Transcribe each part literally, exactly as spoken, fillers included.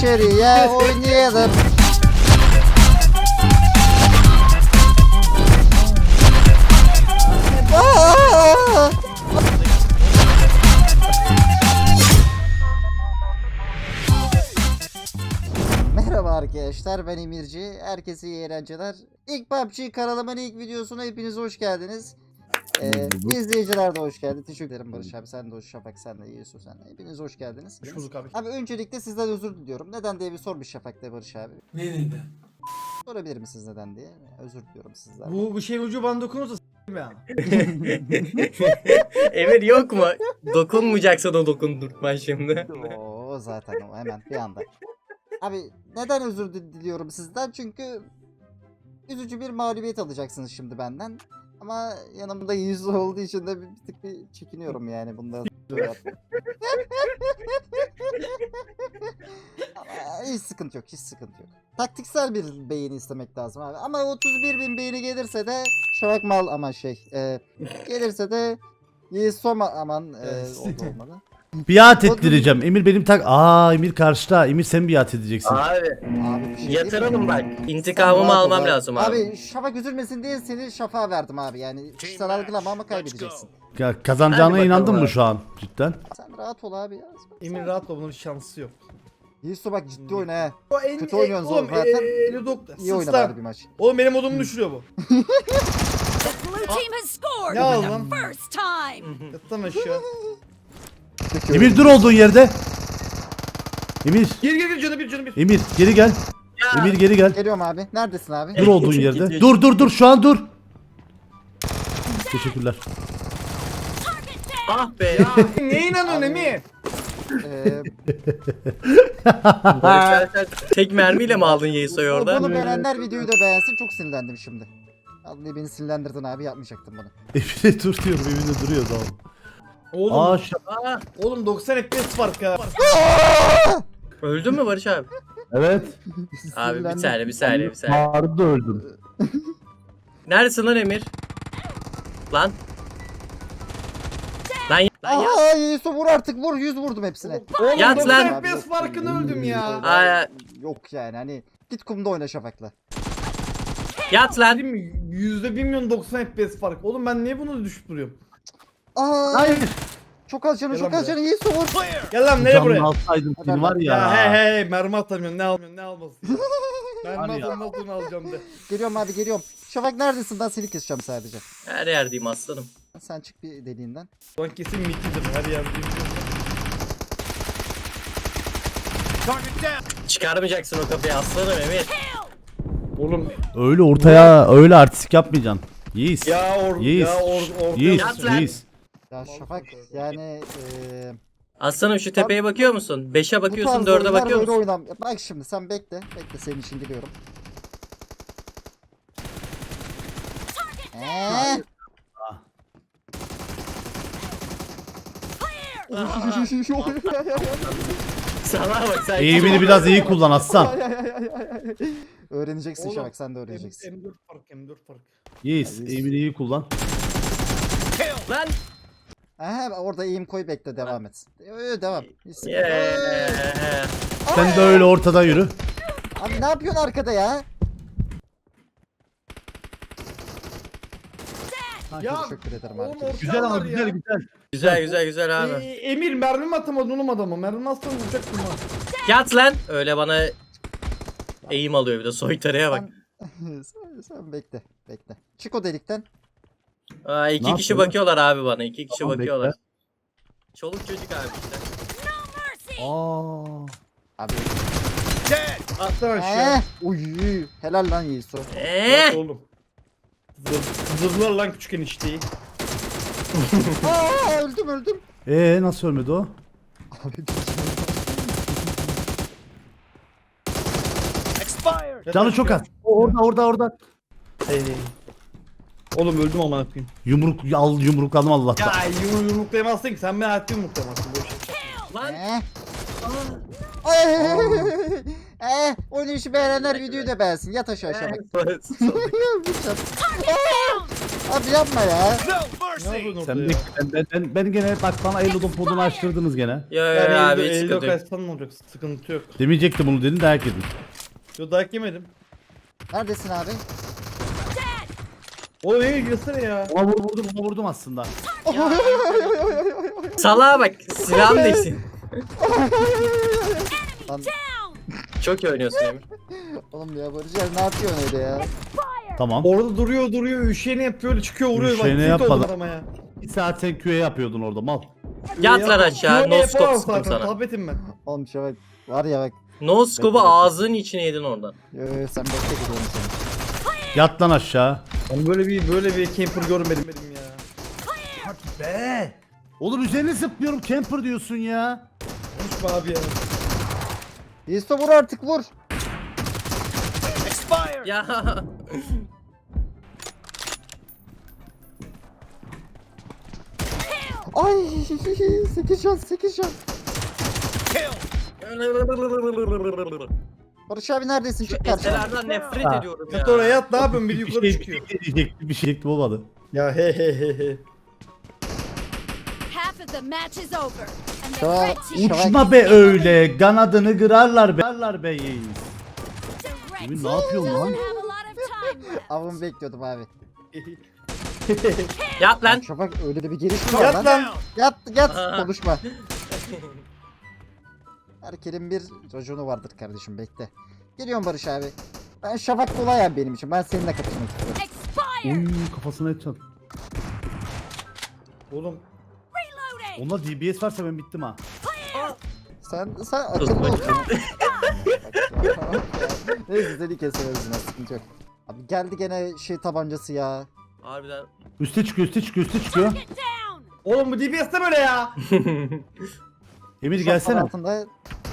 içeriye oynayalım. Aa! Merhaba arkadaşlar, ben Emirci. Herkese iyi eğlenceler. İlk P U B G kanalımın ilk videosuna hepiniz hoş geldiniz. Ee, izleyiciler de hoş geldi. Teşekkür ederim Barış abi, sen de hoş, Şafak sen de, Yusuf sen de. Hepiniz hoş geldiniz. Hoş bulduk abi. Abi öncelikle sizden özür diliyorum. Neden diye bir sor bir Şafak'ta Barış abi. Ne neden? Sorabilir misiniz neden diye? Özür diliyorum sizden. Bu, bu şeyin ucu bana dokunursa s**tim ya. Emir yok mu? Dokunmayacaksa da dokundurtman şimdi. Oo zaten o hemen bir anda. Abi neden özür di- diliyorum sizden? Çünkü üzücü bir mağlubiyet alacaksınız şimdi benden. Ama yanımda yüzü olduğu için de bir, bir tık bir çekiniyorum yani bundan. Ama hiç sıkıntı yok, hiç sıkıntı yok. Taktiksel bir beğeni istemek lazım abi. Ama otuz bir bin beğeni gelirse de Şavak mal ama şey e, gelirse de Yesoma aman e, o da olmalı. Biat ettireceğim. Emir benim tak. Aa Emir karşıda. Emir sen biat edeceksin. Abi Abi bir şey yatıralım bak. Sen İntikamımı rahat ol almam abi. lazım abi. Abi Şafak üzülmesin diye seni Şafak'a verdim abi yani. Kişisel algılama ama kaybedeceksin. Ya, kazanacağına Hadi bakalım inandın mı abi. şu an cidden? Sen rahat ol abi ya. Emin rahat ol, bunun şansı yok. Yiğisu bak ciddi oyna he. O en, Kötü oynuyorsun oğlum, zaten. e, elli dokuz İyi oyna sus lan. bari bir maç. Oğlum benim modumu düşürüyor bu. Blue team has scored Ne for oldu the lan? first time. Yattan aşağı. Emir dur olduğun yerde. Emir. Gir gir gir canı bir canı bir. Emir geri gel. Emir geri gel. Geliyorum abi. Neredesin abi? Dur olduğun yerde. Dur dur dur şu an dur. Teşekkürler. Ah be. Neye inanıyorsun Abi. Emir? Ee, Barış sen tek mermiyle mi aldın Yeso'yu orada? bunu beğenenler videoyu da beğensin. Çok sinirlendim şimdi. Vallahi beni sinirlendirdin abi, yapmayacaktım bunu. Emir'e dur diyorum. Emir'e duruyor tamam. Oğlum, Aa şu... Aa, oğlum doksan F P S fark ha. öldün mü Barış abi? Evet. Abi bir Sinirlendim. saniye bir saniye bir saniye. Bağırdı öldüm. Neredesin lan Emir? Lan. Lan ya- lan ya. Aa Yiğisu vur artık, vur. Yüz vurdum hepsine. Oğlum Yat doksan lan. F P S farkını öldüm ya. Aa, Yok yani hani git kumda oyna Şafak'la. yat lan. Değil mi? Yüzde bir milyon doksan F P S fark. Oğlum ben niye bunu düşüp duruyorum? Aa, Hayır. çok az canı, Gel çok lan az canı. Yiğisu vur. Gel lan nereye Canını buraya? alsaydım seni var ya. Ya he he he mermi atamıyorum, ne almıyorum, ne almasın ya. Mermi Var ya. atamın olduğunu alacağım de. Geliyorum abi, geliyorum. Şafak neredesin? Ben seni keseceğim sadece. Her yerdeyim aslanım. Sen çık bir deliğinden. Ulan kesin mitidir her yerde. Çıkarmayacaksın o kafayı aslanım Emir. Oğlum Öyle ortaya öyle artistik yapmayacaksın. Yiğis. ya or Yiğis. ya or or Yiğis. Yat lan. Yiğis. Ya Şafak yani eee Aslanım şu tepeye bakıyor musun? beşe bu bakıyorsun, tarz dörde oyunlar bakıyor böyle musun? oynam. Bak şimdi sen bekle. Bekle, senin için geliyorum. Eee? Sana bak sen. Eğimini biraz iyi kullan aslan. Öğreneceksin Oğlum, Şafak, sen de öğreneceksin. M dört fark M dört fark. Yiğis. Eğimini iyi kullan. Lan. Aha, orada eğim koy, bekle, devam et. Ee, devam. Hiç sıkıntı yok. Yeah. Sen de öyle ortadan yürü. Abi ne yapıyorsun arkada ya? Ya Teşekkür ederim oğlum abi. orta Güzel ama var güzel ya. güzel. Güzel güzel güzel Ee, abi. Emir mermi mi atamadın oğlum adama? Mermi atsan vuracaktım ha. Yat lan. Öyle bana eğim alıyor bir de soytarıya bak. sen, sen bekle, bekle. Çık o delikten. Aa, iki Ne kişi yapıyor? bakıyorlar abi bana. iki kişi Tamam, bakıyorlar. bekle. Çoluk çocuk abi işte. Aa. Abi. Atlan aşağı. Eee. Uy. Helal lan Yiğisu. Eee? Bak oğlum. Zır, zırlar lan küçük enişteyi. Aa, öldüm öldüm. Ee nasıl ölmedi o? Canı çok az. Orada orada orada. Hey. Oğlum öldüm ama yapayım. Yumruk al yumrukladım Allah'tan. Ya yumru yumruklayamazsın ki, sen beni hayatta yumruklayamazsın bu işi. Lan. Eee. Ay. Eee. Oynayışı beğenenler videoyu da beğensin. Yat aşağı Şafak. Evet. Aa! Abi yapma ya. Ne yapıyorsun orada Sen ya? de, ben, ben, ben, ben gene bak bana Eylül'ün podunu açtırdınız gene. Yo yo Yani yo abi elde, hiç elde sıkıntı yok. kaçsan ne olacak? Sıkıntı yok. Demeyecektim bunu dedin dayak yedin. Yo dayak yemedim. Neredesin abi? Oğlum Emir girsene ya. Ona vur, vurdum ona vurdum aslında. Salağa bak silahım değilsin. Lan, Çok iyi oynuyorsun Emir. oğlum ya Barış abi ne yapıyorsun öyle ya? Tamam. Orada duruyor duruyor üşeni yapıyor öyle çıkıyor vuruyor. Üşeni tilt yapmadı. oldum adama ya. Bir saat sen Q'ye yapıyordun orada mal. Yat lan aşağı. Yo, No yapamam scope sıktım zaten, sana. Tabletim ben. Oğlum şu bak. Var ya bak. No scope'u ağzının içine yedin oradan. Yo, yo, sen bekle gidiyorum seni. Yat lan aşağı. Ben böyle bir böyle bir camper görmedim benim ya. Be. Oğlum üzerine zıplıyorum camper diyorsun ya. Konuşma abi ya. Yiğisto vur artık vur. Ya. Ay sekiz şans sekiz şans. Barış abi neredesin? Çık karşıma. Eselerden nefret Ha. ediyorum ya. Yat oraya yat ne yapıyorsun bir Bir yukarı şey çıkıyor. bir şey diyecektim bir şey diyecektim olmadı. Ya he he he he. Half of the match is over. And the Tamam. red team Şavak. Uçma be öyle kanadını kırarlar be. Kırarlar be yiğit. the red Emin ne team yapıyorsun doesn't lan? have a lot of time left. Avımı bekliyordum abi. Yat lan. Şafak öyle de bir giriş mi var Yat lan? lan. Yat yat Aa. konuşma. Herkesin bir raconu vardır kardeşim bekle. Geliyorum Barış abi. Ben Şafak kolay abi benim için. Ben seninle kapışmak istiyorum. Expired. Uy kafasına et çal. Oğlum Reloading. Onda D B S varsa ben bittim ha. Sen sen akıllı ol. Neyse seni keseriz yine sıkıntı yok. Abi geldi gene şey tabancası ya. Harbiden. Üste çıkıyor üste çıkıyor üste çıkıyor. Get down. oğlum bu D B S'te böyle ya. Emir Şafak gelsene. altında.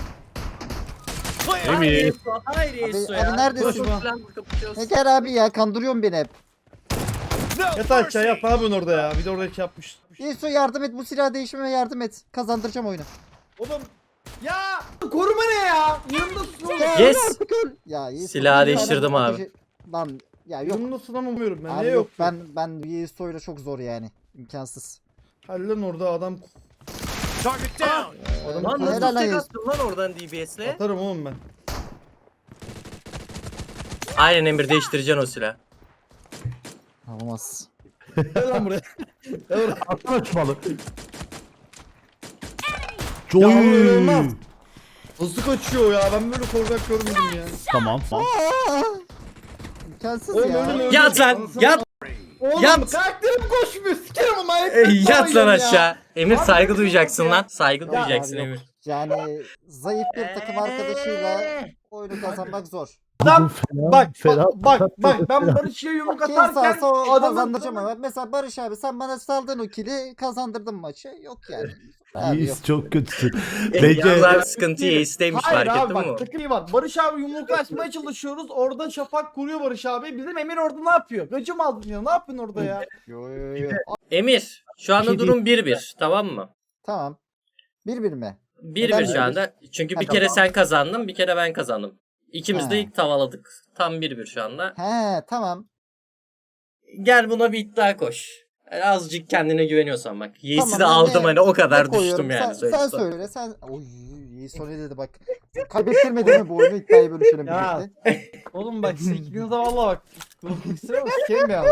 Emir. Hayır Yesu ya. abi neredesin? Koşup falan kapışıyoruz. Ne gel abi ya kandırıyorsun beni hep. Yat aşağı yat ne yapıyorsun orada ya. Bir de orada şey yapmış. Yesu yardım et bu silah değişime yardım et. Kazandıracağım oyunu. Oğlum ya koruma ne ya? Yanımdasın oğlum. Yes. Ya Yesu. Silahı bir değiştirdim tane abi. ateşi- Lan ya yok. Yanımdasın ama umuyorum ben. Abi Niye yok yok? ben ben Yesu'yla çok zor yani. İmkansız. Hadi lan orada adam adam Lan Helal nasıl lan tek Yesu. attın lan oradan D B S'le? atarım oğlum ben. Aynen Emir değiştireceksin o silah. Olmaz. Gel lan buraya. Gel buraya. Atla açmalı. Ya oğlum öyle Joy. olmaz. Hızlı kaçıyor ya. Ben böyle korkak görmedim ya. Tamam. tamam. Aa! İmkansız Oğlum ya. öyle mi? Yat lan yat. Oğlum Yat. karakterim koşmuyor. Sikerim ama. E, ayıp yat lan ya. aşağı. Emir saygı duyacaksın ya. lan. Saygı Ya duyacaksın abi yok. Emir. Yani zayıf bir takım arkadaşıyla oyunu kazanmak zor. Lan Fena, bak fena. bak bak bak ben Barış'a yumruk Kim atarken sağsa o adamın kazandıracağım ama. Mesela Barış abi sen bana saldın o kili kazandırdın maçı. Yok yani. Abi yok. Yiğit çok kötüsün. Yalnız Bence abi sıkıntı Yeğiz'teymiş Hayır fark abi ettin mi? bak takım iyi var. Barış abi yumruklaşmaya çalışıyoruz. Orada Şafak kuruyor Barış abi. Bizim Emir orada ne yapıyor? Gacım aldın ya. Ne yapıyorsun orada ya? Yo yo yo. Emir şu anda Bir şey durum bir bir tamam mı? Tamam. Bir bir mi? bir Neden bir şu bir bir? anda. Çünkü bir Ha, kere tamam. sen kazandın bir kere ben kazandım. İkimiz de Ha. ilk tavaladık. Tam bir bir şu anda. He tamam. Gel buna bir iddia koş. Yani azıcık kendine güveniyorsan bak. Yeğiz'i Tamam, de ben aldım de- hani o kadar Ne koyuyorum? düştüm yani. Sen, söyle- sen söyle sen. Oy iyi son ne dedi bak. Kaybettirmedin mi bu oyunu iddiayı bölüşelim Ya. birlikte. Oğlum bak siz ikiniz de valla bak. Kusura bakma sikerim ya.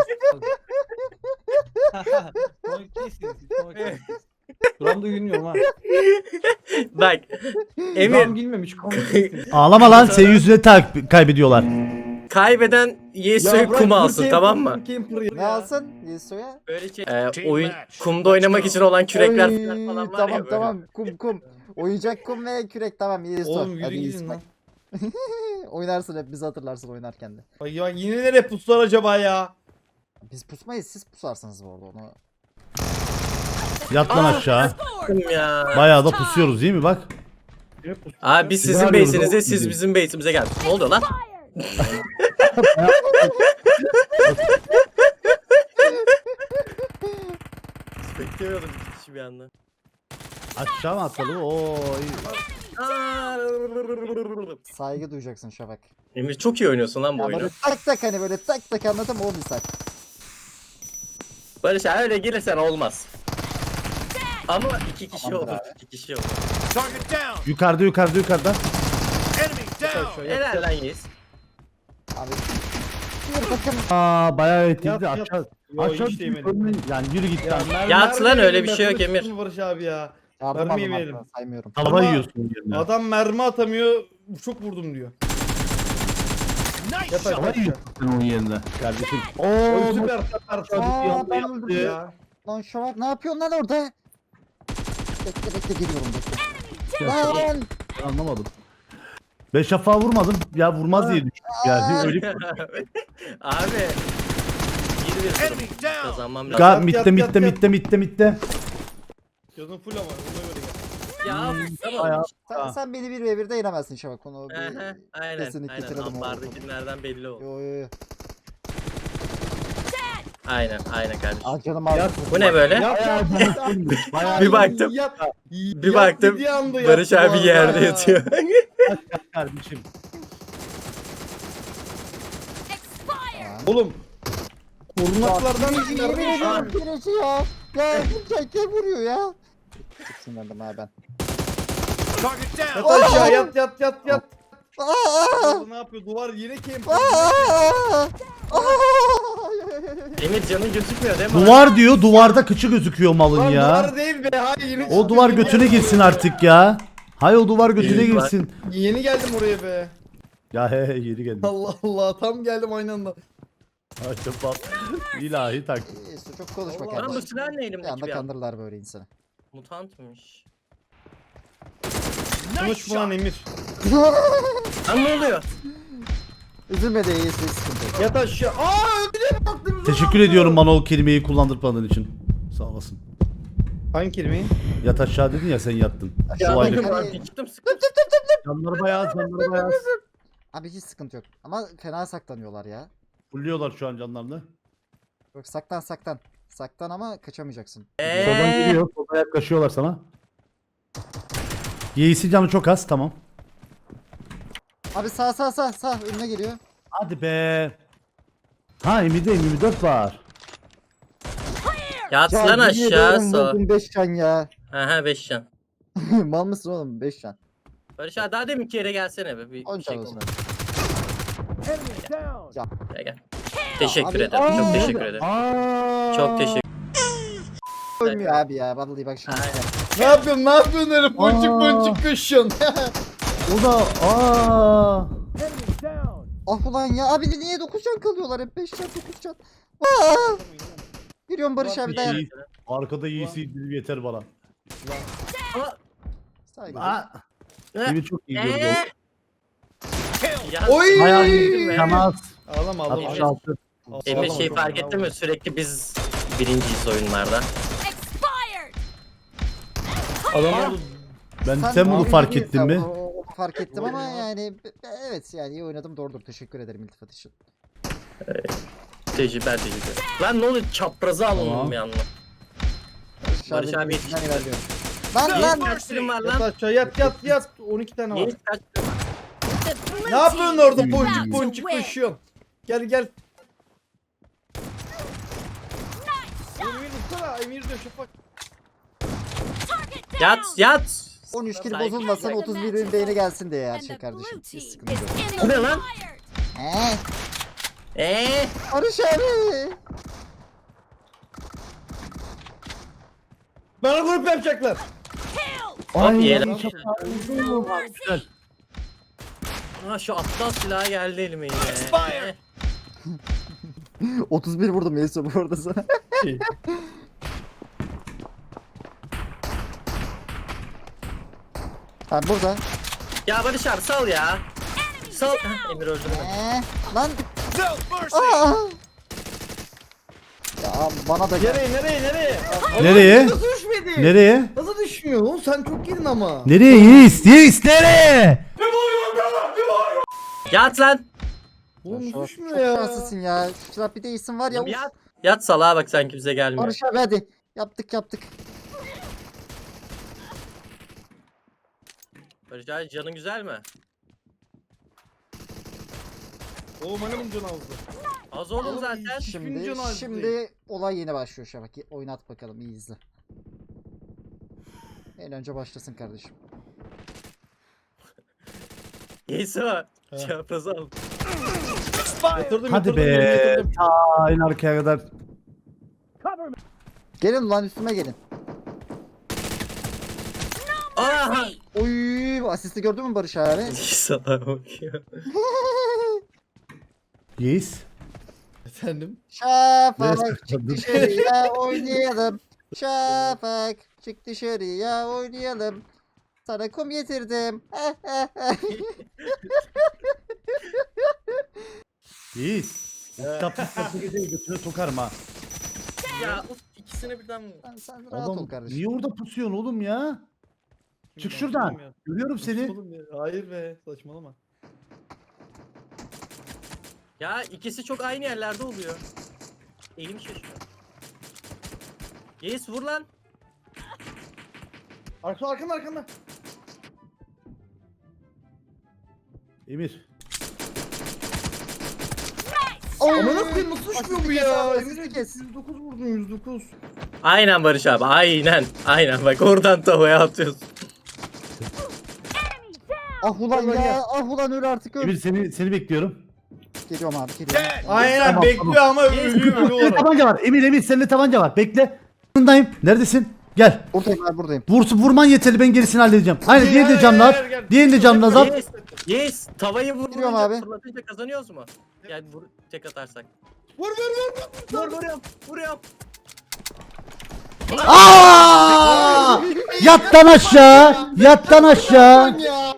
Buram da gülmüyorum ha. Bak Buram Emir gülmemiş. komik. ağlama lan senin yüzüne tak kaybediyorlar. kaybeden Yeğiz'i bırak, kum dur alsın camper, tamam mı? camper ya. Ne alsın Yesu'ya? Böyle şey, e, oyun kumda oynamak için olan kürekler Oy, falan falan var tamam ya böyle. tamam kum kum. Oyuncak kum ve kürek tamam Yesu. Oğlum yürü Hadi gidin Yesu. lan. Oynarsın hep bizi hatırlarsın oynarken de. Bak ya yine nereye puslar acaba ya? Biz pusmayız siz pusarsınız bu arada onu. Yat lan aşağı. Kum ya. Bayağı da pusuyoruz değil mi bak. Abi biz Biz sizin arıyoruz, base'inize o siz bizim. bizim base'imize geldiniz. Ne oluyor lan? Beklemiyordum iki kişi bir anda. Aşağı mı atladı? Oo iyi. Saygı duyacaksın Şafak. Emir çok iyi oynuyorsun lan bu Ya oyunu. böyle tak tak hani böyle tak tak anladın mı o misal. Barış abi öyle gelirsen olmaz. Ama iki kişi Tamamdır olur. abi. iki kişi olur. Yukarıda yukarıda yukarıda. Helal lan Yiğit. Abi. Bir takım. Aa bayağı etkiledi Yat, yat. aşağı. Yo, Aşağı hiç değmedim. yani yürü git lan. mermi- Yat lan, mermi öyle verelim bir be, şey yok sana Emir. tutsun Barış abi ya. Yardım Mermiyi aldım verelim. arkadan, saymıyorum. Tava Ama- yiyorsun yerine. Adam mermi atamıyor. Çok vurdum diyor. Yat Tava aşağı. yiyorsun sen onun yerine. Kardeşim. Oy, Oo süper süper. Aa, ben öldüm ya. ya. Lan Şafak ne yapıyorsun lan orada? Bekle bekle geliyorum bekle. Lan. anlamadım. Ben şafağı vurmadım. Ya vurmaz diye düşündüm. Yani öyle Abi. Bir bir durum. Kazanmam lazım. Ga Yat, mitte yat, mitte yat, mitte mitte mitte. Gözün full ama ona göre gel. Ya tamam. Bayağı- Sen, sen beni bir ve birde yenemezsin Şafak. Onu bir Aha, aynen kesinlikle aynen. kıralım orada. Ambardakilerden belli oldu. Yo yo yo. Aynen aynen kardeşim. Aa canım abi. Yat. Bu ne böyle? Yat yat. Bayağı Bir baktım. Yat. Bir Yat baktım. dediği anda Barış yattı bu abi arada yerde ya. yatıyor. kardeşim. Expired. Oğlum. Korunaklardan Yemin ediyorum birisi ya. Ya bu kim vuruyor ya? Çok sinirlendim ha ben. Yat aşağı yat yat yat yat. Aa! Ne yapıyor? Duvar yine camp. Aa! Aa! Emir canın gözükmüyor değil mi? Duvar diyor. Duvarda kıçı gözüküyor malın Lan ya. duvar değil be. Hayır yeni O duvar götüne girsin artık ya. Hay o duvar götüne İyi, bak. girsin. Yeni geldim oraya be. Ya he he yeri geldi. Allah Allah tam geldim aynı anda. Acaba ilahi tak. Neyse, çok konuşma Allah Lan bu kardeşim. silah ne Bir elimdeki anda bir an? kandırırlar böyle insanı. Mutantmış. Konuşma lan Emir. Lan ne oluyor? Üzülme de iyisi sıkıntı yok. Yat aşağı. Aa öldüre baktım. Teşekkür ediyorum bana o kelimeyi kullandırmadığın için. Sağ olasın. Hangi kelimeyi? Yat aşağı dedin ya sen yattın. Ya Şu bak- ayrı. Hani- Abi çıktım sıktım. Canları bayağı canları bayağı. Abi hiç sıkıntı yok. Ama fena saklanıyorlar ya. Fulluyorlar şu an canlarını. Yok saklan saklan. Saklan ama kaçamayacaksın. Soldan Eee. geliyor. Soldan yaklaşıyorlar sana. Yeğisi canı çok az tamam. Abi sağ sağ sağ sağ önüne geliyor. Hadi be. Ha Emir'de yirmi dört var. Yat Ya lan yemin aşağı ediyorum sağ. vurdum beş can ya. Aha beş can. Mal mısın oğlum beş can. Barış abi daha demin ki yere gelsene be. Bir on şey can olsun. konuş. Ya. Gel gel. Teşekkür Abi- ederim. Aa! Çok teşekkür ederim. Aa. Çok teşekkür Ölmüyor abi ya. Vallahi bak şans. Aynen. Ne yapıyorsun? Ne yapıyorsun öyle boncuk Aa. boncuk koşuyorsun? O da aa. Ah ulan ya abi niye dokuz can kalıyorlar hep beş can dokuz can. Aa! Giriyorum Barış abi dayan. İyi. Arkada iyisi indirim yeter bana. Saygı. Aa. Emir çok iyi gördü. Eee. Ya, Oy! Bayağı Değil iyi. mi? Canaz. Ağlama ağlama. altmış altı. Emir Ağlama, şey çok fark ağlama. ettin mi? Sürekli biz birinciyiz oyunlarda. Expired. Adam orada Ben sen bunu abi fark değil, ettin sen mi? o- o- fark ettim ama yani be- evet yani iyi oynadım doğrudur. Teşekkür ederim iltifat için. Tecrübe tecrübe. Lan ne oluyor? Çaprazı alındım Tamam. bir anda. Barış, Barış abi yetiştim. yetişti. ilerliyorum. Lan Yiğit lan. kaç film var yat lan? aşağı yat yat yat. on iki tane var. Yiğit kaç film var? The blue Ne yapıyorsun team orada is boncuk about to boncuk win. koşuyorsun? Gel gel. Nice shot. Emir vursana. Emir de şafak. Target down. Yat yat. on üç kill Saygı- bozulmasın otuz bir bin beğeni gelsin diye her And şey the kardeşim. blue Hiç team sıkıntı yok. is Bu ne lan? inspired. Eee. Eee. Barış abi. Bana grup yapacaklar. Kill. Hop yiyelim. No mercy. Ha şu aptal silahı geldi elime yine. otuz bir vurdum Yusuf bu arada sana. Ha burada. Ya Barış abi sal ya. Sal. Heh, Emir öldü mü? Eee. Lan. Aa. Ya bana da gel. Nereye nereye nereye? Nereye? Nasıl düşmedi? Nereye? Nasıl düşmüyor oğlum? Sen çok yedin ama. Nereye Yiğis? Yiğis nereye? Yat lan. Oğlum Şu- nasıl düşmüyor çok ya? şanslısın ya. Şu silah bir de isim var ya. Yat. Yat salağa bak sen kimse gelmiyor. Barış abi hadi. Yaptık yaptık. Barış abi canın güzel mi? Oğlum hani bunun canı aldı. Az oldu zaten. Şimdi Üçüncü nazi. şimdi olay yeni başlıyor Şafak. Oynat bakalım, iyi izle. En önce başlasın kardeşim. Yesi var. Çaprazı al. Yatırdım, Hadi yatırdım, be. yatırdım. Ta en arkaya kadar. Gelin lan, üstüme gelin. Aha! Oy, bu asisti gördün mü Barış abi? Sana bakıyor. Yes. Efendim? Şafak Neyse, çık dur. dışarıya oynayalım. Şafak çık dışarıya oynayalım. Sana kum getirdim. Yes. Kitap kitap geceyi götüne sokarım ha. Ya of, ikisini birden sen, sen rahat ol Oğlum kardeşim. niye orada pusuyorsun oğlum ya? Çık şuradan. Görüyorum seni. Oğlum ya, hayır be, saçmalama. Ya ikisi çok aynı yerlerde oluyor. Eğim şaşıyor. Yes vur lan. Arka arkanda arkanda. Emir. Ama nasıl nasıl düşmüyor bu ya? Asisti kes. yüz dokuz vurdun, yüz dokuz. Aynen Barış abi aynen. Aynen bak oradan tavaya atıyorsun. Ah ulan ya, ah ulan öl artık öl. Emir seni seni bekliyorum. Geliyorum abi, geliyorum. Aynen Tamam, bekliyor ama ölüyor ölüyor Senin olarak. tabanca var. Emir Emir senin tabanca var. Bekle. Yanındayım. Neredesin? Gel. Buradayım abi, buradayım. Vursu vurman yeterli, ben gerisini halledeceğim. Aynen Gel, diğeri de gel, canlı gel, at. gel. Diğerini de canlı at. Yes. Yes. Tavayı Giriyorum vurunca abi. fırlatınca kazanıyoruz mu? Yani vur tek atarsak. Vur vur vur. Vur vuruyorum. Vuruyorum. Aa! Yattan aşağı. Yattan aşağı. Ya.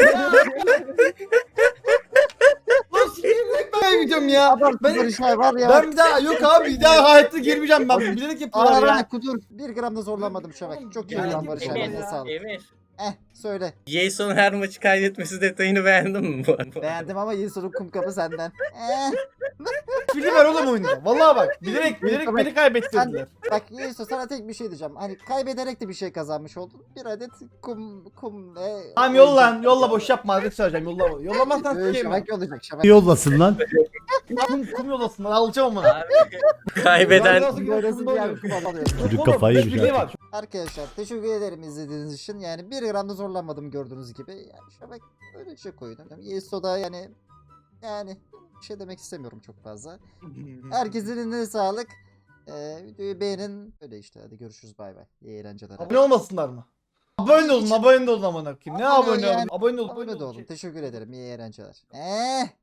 Lan sikeyim ben gideceğim ya. Ben, Barış abi var ya. ben bir daha yok abi bir daha hayatta girmeyeceğim ben. Bilerek yapıyorlar Aa, ya. bak kudur. Bir gram da zorlanmadım Şafak. Çok iyi Yani lan Barış abi. Emir. Eline sağlık. Emir. Eh söyle. Jason her maçı kaybetmesi detayını beğendin mi bu arada? Beğendim ama Yusuf'un kum kapı senden. Eh. Fili ver oğlum oyunda. Vallahi bak bilerek bilerek beni kaybettirdiler. Bak Yusuf, sana tek bir şey diyeceğim. Hani kaybederek de bir şey kazanmış oldun. Bir adet kum kum ve... Tamam yolla yolla boş yapma hadi söyleyeceğim yolla. Yollamazsan Ee, sikeyim ben. Şafak yollayacak Şafak. Yollasın lan. Kum, kum yollasınlar alacağım onu. Kaybeden Böylesi bir yer kum alıyorsun. Çocuk kafayı yemiş Bir şey artık. var. Arkadaşlar teşekkür ederim izlediğiniz için. Yani bir gram da zorlanmadım gördüğünüz gibi. Yani Şafak öyle şey koydum. Yeso'da yani yani bir şey demek istemiyorum çok fazla. Herkesin eline sağlık. Ee, videoyu beğenin. Öyle işte, hadi görüşürüz, bay bay. İyi eğlenceler. Abone olmasınlar mı? Abone olun, abone olun amına koyayım. Ne Abone ol abone yani. olun? Abone ol, Abone de olun. olun. Teşekkür ederim. İyi eğlenceler. Eh.